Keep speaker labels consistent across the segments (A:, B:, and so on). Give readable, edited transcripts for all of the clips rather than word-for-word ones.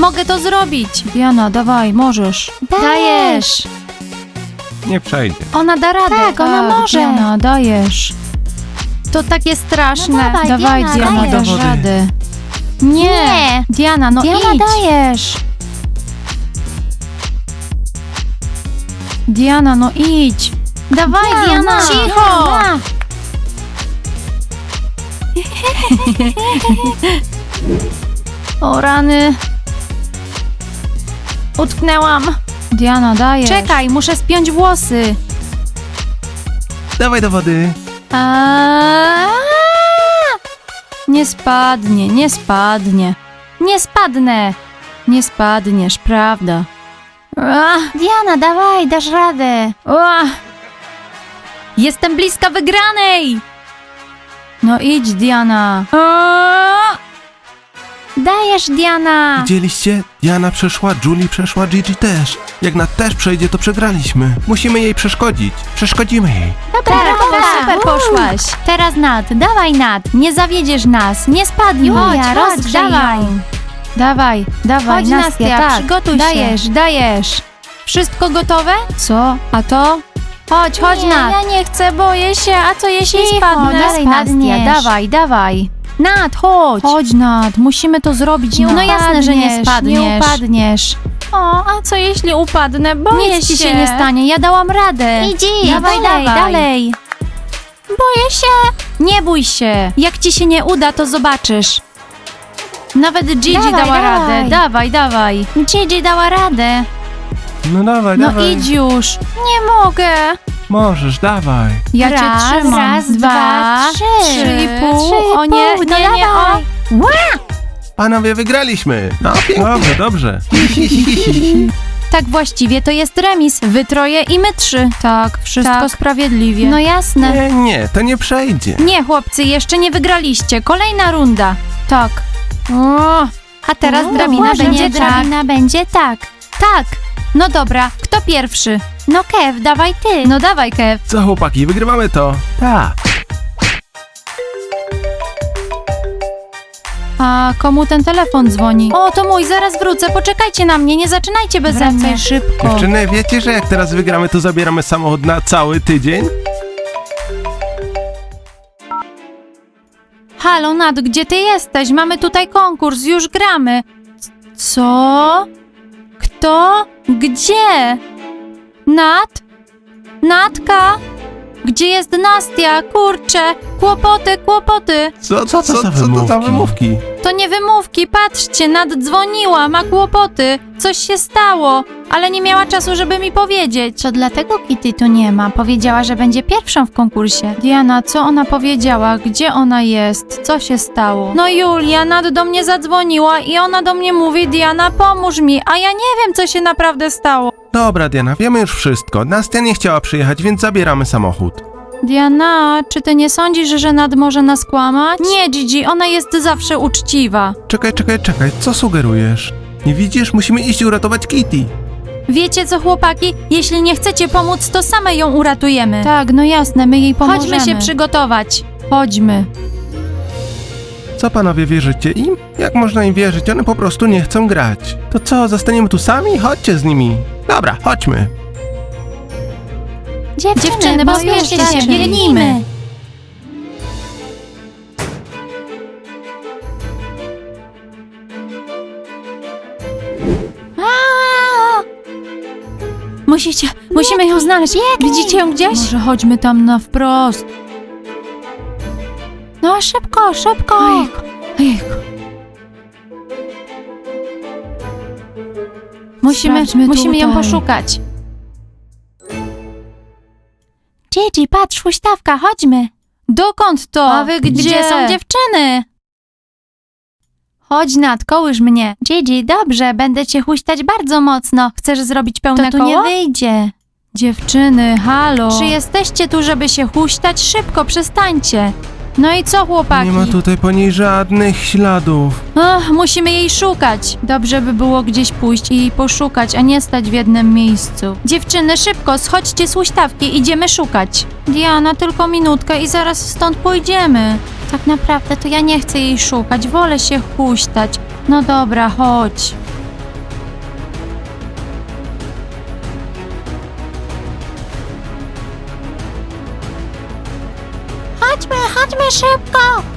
A: Mogę to zrobić. Diana, dawaj, możesz. Dajesz.
B: Nie przejdzie.
A: Ona da radę.
C: Tak, ona może.
A: Diana, dajesz. To takie straszne.
C: No dawaj, Diana,
A: dasz
B: dajesz.
A: radę. Nie.
C: Nie.
A: Diana, no
C: Diana,
A: idź.
C: dajesz.
A: Diana, no idź. Dawaj, Diana.
C: Cicho.
A: O rany. Utknęłam. Diana, dajesz. Czekaj, muszę spiąć włosy.
B: Dawaj do wody.
A: Nie spadnie, nie spadnie. Nie spadnę. Nie spadniesz, prawda?
C: Diana, dawaj, dasz radę.
A: Jestem bliska wygranej. No idź, Diana.
C: Dajesz, Diana.
B: Widzieliście? Diana przeszła, Julie przeszła, Gigi też. Jak Nat też przejdzie, to przegraliśmy. Musimy jej przeszkodzić. Przeszkodzimy jej.
C: Dobra,
A: Super poszłaś. Teraz Nat, dawaj Nat. Nie zawiedziesz nas, nie spadnij.
C: Julia,
A: Chodź,
C: rozgrzej
A: dawaj.
C: ją.
A: Dawaj,
C: Chodź,
A: Nastia,
C: Nastia,
A: tak.
C: przygotuj się.
A: Dajesz. Wszystko gotowe? Co? A to? Chodź,
C: Nie,
A: Nat.
C: ja
A: nie chcę, boję się. A co jeśli
C: Cicho,
A: spadnę?
C: dalej,
A: Spadniesz.
C: Nastia,
A: Dawaj. Nat, chodź. Chodź, Nat, musimy to zrobić.
C: Nie
A: No jasne, że nie
C: upadniesz,
A: spadniesz.
C: nie
A: upadniesz. O, a co jeśli upadnę? Boję
C: Nic
A: się.
C: ci się nie
A: stanie, ja dałam radę.
C: Idź,
A: Dawaj. Boję się. Nie bój się. Jak ci się nie uda, to zobaczysz. Nawet Gigi
C: Dawaj,
A: dała
C: dawaj.
A: radę. Dawaj. Gigi dała radę.
B: No dawaj,
A: No
B: dawaj.
A: idź już. Nie mogę.
B: Możesz, dawaj.
A: Ja
C: Raz,
A: cię trzymam.
C: raz, dwa, trzy.
A: 3,5. O nie,
C: No
A: nie, o.
C: dawaj.
B: Panowie, wygraliśmy. No, pięknie. Dobrze.
A: Tak właściwie to jest remis. Wy troje i my 3. Tak, wszystko sprawiedliwie. No jasne.
B: Nie, to nie przejdzie.
A: Nie, chłopcy, jeszcze nie wygraliście. Kolejna runda. Tak. O, a teraz
C: O,
A: drabina
C: może
A: będzie
C: nie
A: tak.
C: drabina
A: będzie tak. Tak. No dobra, kto pierwszy?
C: No Kev, dawaj ty.
A: No dawaj, Kev.
B: Co chłopaki, wygrywamy to? Tak.
A: A komu ten telefon dzwoni? O, to mój, zaraz wrócę. Poczekajcie na mnie, nie zaczynajcie beze mnie.
C: Wracaj szybko.
B: Dziewczyny, wiecie, że jak teraz wygramy, to zabieramy samochód na cały tydzień?
A: Halo, Nat, gdzie ty jesteś? Mamy tutaj konkurs, już gramy. Co? Kto? Gdzie? Nat? Natka? Gdzie jest Nastia? Kurczę, kłopoty.
B: Co to za wymówki?
A: To nie wymówki, patrzcie, Nat dzwoniła, ma kłopoty. Coś się stało, ale nie miała czasu, żeby mi powiedzieć.
C: To dlatego Kitty tu nie ma. Powiedziała, że będzie pierwszą w konkursie.
A: Diana, co ona powiedziała? Gdzie ona jest? Co się stało? No Julia, Nat do mnie zadzwoniła i ona do mnie mówi: Diana, pomóż mi, a ja nie wiem, co się naprawdę stało.
B: Dobra, Diana, wiemy już wszystko. Nastia nie chciała przyjechać, więc zabieramy samochód.
A: Diana, czy ty nie sądzisz, że Nat może nas kłamać? Nie, Gigi, ona jest zawsze uczciwa.
B: Czekaj, co sugerujesz? Nie widzisz? Musimy iść uratować Kitty.
A: Wiecie co, chłopaki? Jeśli nie chcecie pomóc, to same ją uratujemy. Tak, no jasne, my jej
C: pomożemy.
A: Chodźmy się przygotować. Chodźmy.
B: Co panowie, wierzycie im? Jak można im wierzyć? One po prostu nie chcą grać. To co, zostaniemy tu sami? Chodźcie z nimi. Dobra, chodźmy.
A: Dziewczyny, pospieszcie się, biegnijmy. Musimy ją znaleźć. Widzicie ją gdzieś? Może chodźmy tam na wprost.
C: No szybko.
A: Ojejku. Musimy ją
C: tutaj.
A: poszukać.
C: Gigi, patrz, huśtawka, chodźmy.
A: Dokąd to?
C: A wy
A: Gdzie są dziewczyny? Chodź, Nat, kołysz mnie.
C: Gigi, dobrze, będę cię huśtać bardzo mocno.
A: Chcesz zrobić pełne
C: To tu
A: koło?
C: nie wyjdzie.
A: Dziewczyny, halo. Czy jesteście tu, żeby się huśtać? Szybko, przestańcie. No i co, chłopaki?
B: Nie ma tutaj po niej żadnych śladów.
A: Ach, musimy jej szukać. Dobrze by było gdzieś pójść i jej poszukać, a nie stać w jednym miejscu. Dziewczyny, szybko, schodźcie z huśtawki, idziemy szukać. Diana, tylko minutkę i zaraz stąd pójdziemy. Tak naprawdę to ja nie chcę jej szukać, wolę się huśtać. No dobra, chodź.
C: Chodźmy szybko.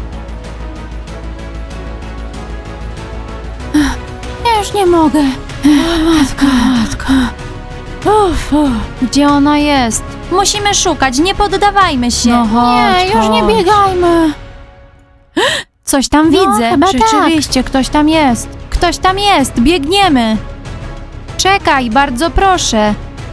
A: Ja już nie mogę. Matko. Gdzie ona jest? Musimy szukać, nie poddawajmy się. No chodź,
C: już nie
A: biegajmy. Coś tam widzę.
C: chyba
A: Rzeczywiście, ktoś tam jest. Ktoś tam jest, biegniemy. Czekaj, bardzo proszę.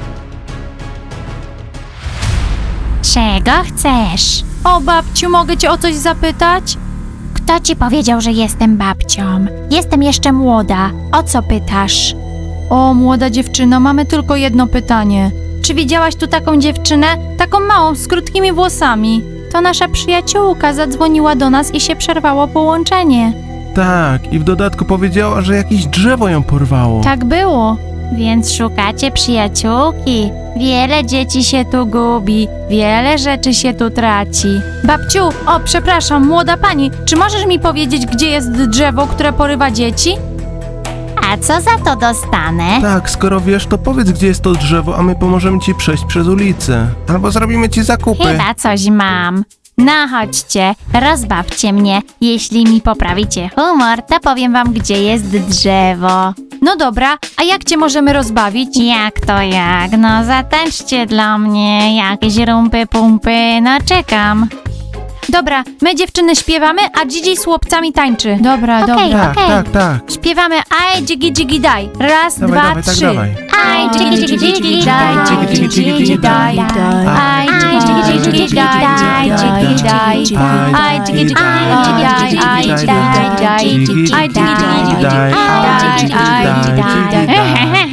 C: Czego chcesz?
A: O, babciu, mogę cię o coś zapytać?
C: Kto ci powiedział, że jestem babcią? Jestem jeszcze młoda. O co pytasz?
A: O, młoda dziewczyno, mamy tylko jedno pytanie. Czy widziałaś tu taką dziewczynę? Taką małą, z krótkimi włosami. To nasza przyjaciółka zadzwoniła do nas i się przerwało połączenie.
B: Tak, i w dodatku powiedziała, że jakieś drzewo ją porwało.
A: Tak było.
C: Więc szukacie przyjaciółki. Wiele dzieci się tu gubi, wiele rzeczy się tu traci.
A: Babciu, o, przepraszam, młoda pani, czy możesz mi powiedzieć, gdzie jest drzewo, które porywa dzieci?
C: A co za to dostanę?
B: Tak, skoro wiesz, to powiedz, gdzie jest to drzewo, a my pomożemy ci przejść przez ulicę. Albo zrobimy ci zakupy.
C: Chyba coś mam. No chodźcie, rozbawcie mnie. Jeśli mi poprawicie humor, to powiem wam, gdzie jest drzewo.
A: No dobra, a jak cię możemy rozbawić?
C: Jak to jak? No zatańczcie dla mnie jakieś rumpy pumpy, no czekam.
A: Dobra, my dziewczyny śpiewamy, a Gigi z chłopcami tańczy. Dobra,
C: Okej.
A: dobra.
B: Tak.
A: Śpiewamy aj, dzigi, dzigi, daj. Raz,
B: Dawaj,
A: dwa,
B: dawaj, tak
A: trzy.
B: dawaj.
C: Aj, dzigi, dzigi, dzigi, daj, dzigi, dzigi, dzigi, daj,
A: Aj, dzigi, dzigi, dzigi, daj, dzigi, daj. Aj, dzigi, dzigi, dzigi, daj, aj, dzigi, daj. Aj, dzigi, dzigi, daj, aj, dzigi,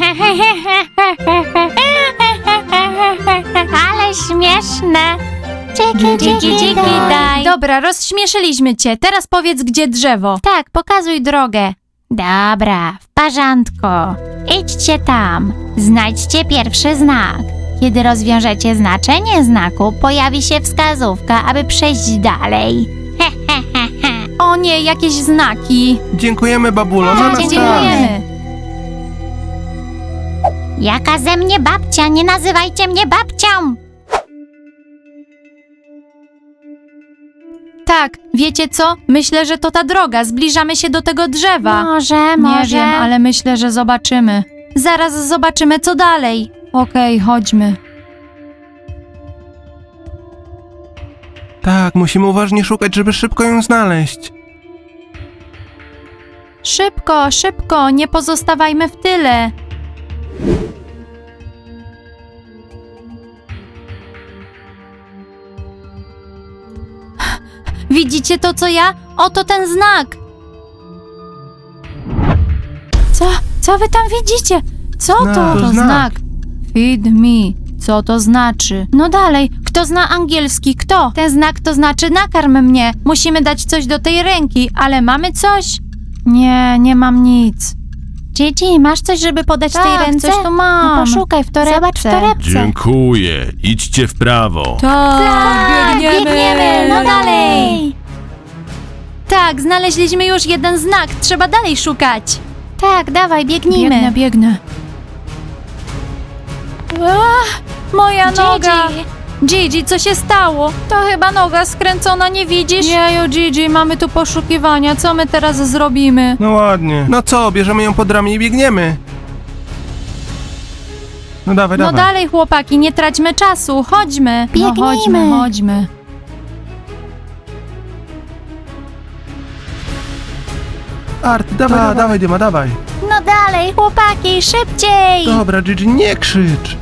A: daj.
C: Ale śmieszne. Dzigi, dzigi, dzigi, daj.
A: Dobra, rozśmieszyliśmy cię. Teraz powiedz, gdzie drzewo.
C: Tak, pokazuj drogę. Dobra, w porządku. Idźcie tam. Znajdźcie pierwszy znak. Kiedy rozwiążecie znaczenie znaku, pojawi się wskazówka, aby przejść dalej.
A: O nie, jakieś znaki.
B: Dziękujemy, babulo, na nas tak.
A: Dziękujemy.
C: Jaka ze mnie babcia? Nie nazywajcie mnie babcią!
A: Tak, wiecie co? Myślę, że to ta droga. Zbliżamy się do tego drzewa.
C: Może.
A: Nie wiem, ale myślę, że zobaczymy. Zaraz zobaczymy, co dalej. Okej, chodźmy.
B: Tak, musimy uważnie szukać, żeby szybko ją znaleźć.
A: Szybko, szybko, nie pozostawajmy w tyle. Widzicie to, co ja? Oto ten znak. Co wy tam widzicie? Co to?
B: To
A: To
B: znak.
A: znak. Feed me. Co to znaczy? No dalej, kto zna angielski? Kto? Ten znak to znaczy nakarm mnie. Musimy dać coś do tej ręki, ale mamy coś? Nie mam nic.
C: Gigi, masz coś, żeby podać tej
A: Tak,
C: ręce?
A: coś tu mam.
C: No poszukaj w torebce.
A: Zobacz w torebce.
D: Dziękuję. Idźcie w prawo.
A: Tak,
C: biegniemy, no dalej.
A: Tak, znaleźliśmy już jeden znak. Trzeba dalej szukać.
C: Tak, dawaj, biegnijmy.
A: Biegnę. Moja noga. Gigi, co się stało? To chyba noga skręcona, nie widzisz? Jeju, Gigi, mamy tu poszukiwania. Co my teraz zrobimy?
B: No ładnie. No co, bierzemy ją pod ramię i biegniemy. No dawaj,
A: No
B: dawaj.
A: dalej, chłopaki, nie traćmy czasu. Chodźmy.
C: Biegnijmy.
A: No chodźmy.
B: Art, dawaj, Dyma, dawaj.
C: No dalej, chłopaki, szybciej.
B: Dobra, Gigi, nie krzycz.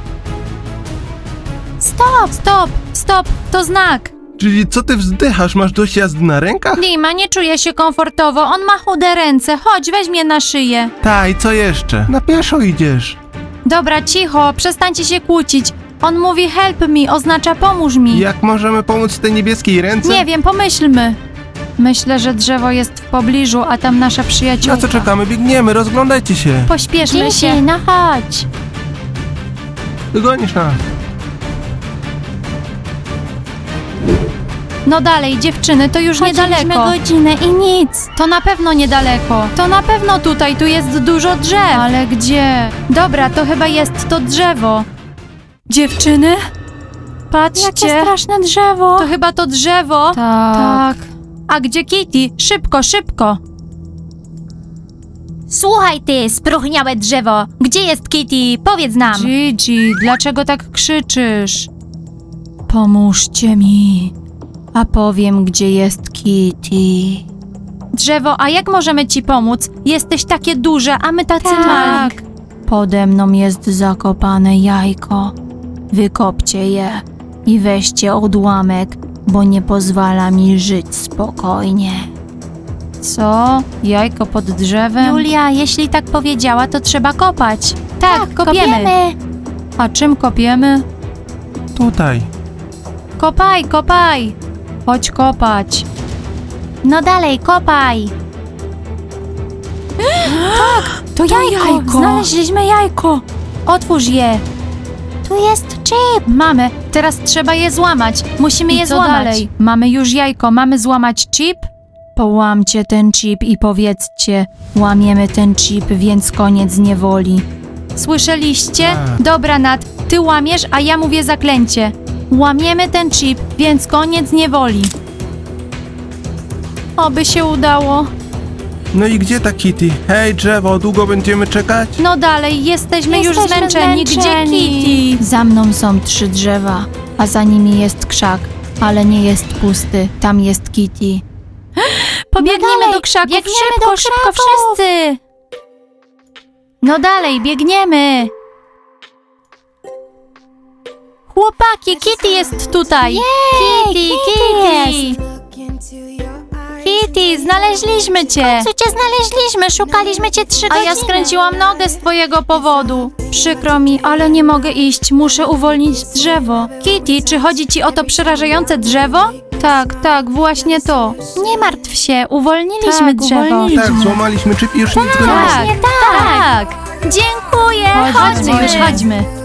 A: Stop, to znak.
B: Gigi, co ty wzdychasz? Masz dość jazdy na rękach?
A: Dima, nie czuję się komfortowo. On ma chude ręce. Chodź, weź mnie na szyję.
B: Ta, i co jeszcze? Na pieszo idziesz.
A: Dobra, cicho, przestańcie się kłócić. On mówi help me, oznacza pomóż mi.
B: Jak możemy pomóc tej niebieskiej ręce?
A: Nie wiem, pomyślmy. Myślę, że drzewo jest w pobliżu, a tam nasza przyjaciółka.
B: Na co czekamy? Biegniemy, rozglądajcie się.
A: Pośpieszmy
C: Gigi,
A: się.
C: no chodź.
B: Dogonisz nas.
A: No dalej, dziewczyny, to już niedaleko.
C: godzinę i nic.
A: To na pewno niedaleko. To na pewno tutaj, tu jest dużo drzew. Ale gdzie? Dobra, to chyba jest to drzewo. Dziewczyny? Patrzcie.
C: Jakie straszne drzewo.
A: To chyba to drzewo. Tak. A gdzie Kitty? Szybko, szybko.
C: Słuchaj ty, spróchniałe drzewo. Gdzie jest Kitty? Powiedz nam.
A: Gigi, dlaczego tak krzyczysz? Pomóżcie mi, a powiem, gdzie jest Kitty. Drzewo, a jak możemy ci pomóc? Jesteś takie duże, a my tacy
C: Tak.
A: mali. Pode mną jest zakopane jajko. Wykopcie je i weźcie odłamek, bo nie pozwala mi żyć spokojnie. Co? Jajko pod drzewem? Julia, jeśli tak powiedziała, to trzeba kopać. Tak, kopiemy. A czym kopiemy?
B: Tutaj.
A: Kopaj, kopaj! Chodź kopać.
C: No dalej, kopaj.
A: To jajko! Znaleźliśmy jajko! Otwórz je!
C: Tu jest chip.
A: Mamy, teraz trzeba je złamać. Musimy je złamać. Dalej? Mamy już jajko, mamy złamać chip? Połamcie ten chip i powiedzcie, łamiemy ten chip, więc koniec niewoli. Słyszeliście?
B: Tak.
A: Dobra, Nat, ty łamiesz, a ja mówię zaklęcie. Łamiemy ten chip, więc koniec niewoli. Oby się udało.
B: No i gdzie ta Kitty? Hej, drzewo, długo będziemy czekać?
A: No dalej, jesteśmy już
C: Jesteśmy
A: zmęczeni. Gdzie
C: zmęczeni.
A: Kitty? Za mną są 3 drzewa, a za nimi jest krzak, ale nie jest pusty. Tam jest Kitty. Pobiegniemy
C: No dalej,
A: do krzaków,
C: biegniemy
A: szybko,
C: do
A: szybko,
C: krzaków.
A: wszyscy! No dalej, biegniemy! Chłopaki, Kitty jest tutaj! Kitty, Kitty! Kitty, znaleźliśmy cię!
C: Co cię znaleźliśmy? Szukaliśmy cię 3
A: A
C: godziny.
A: ja skręciłam nogę z twojego powodu. Przykro mi, ale nie mogę iść. Muszę uwolnić drzewo. Kitty, czy chodzi ci o to przerażające drzewo? Tak, właśnie to. Nie martw się, uwolniliśmy
C: Tak,
A: drzewo.
C: uwolniliśmy.
B: Tak, złamaliśmy chip i już nic go nie ma.
A: Tak, tak. Dziękuję. Chodźmy już, chodźmy.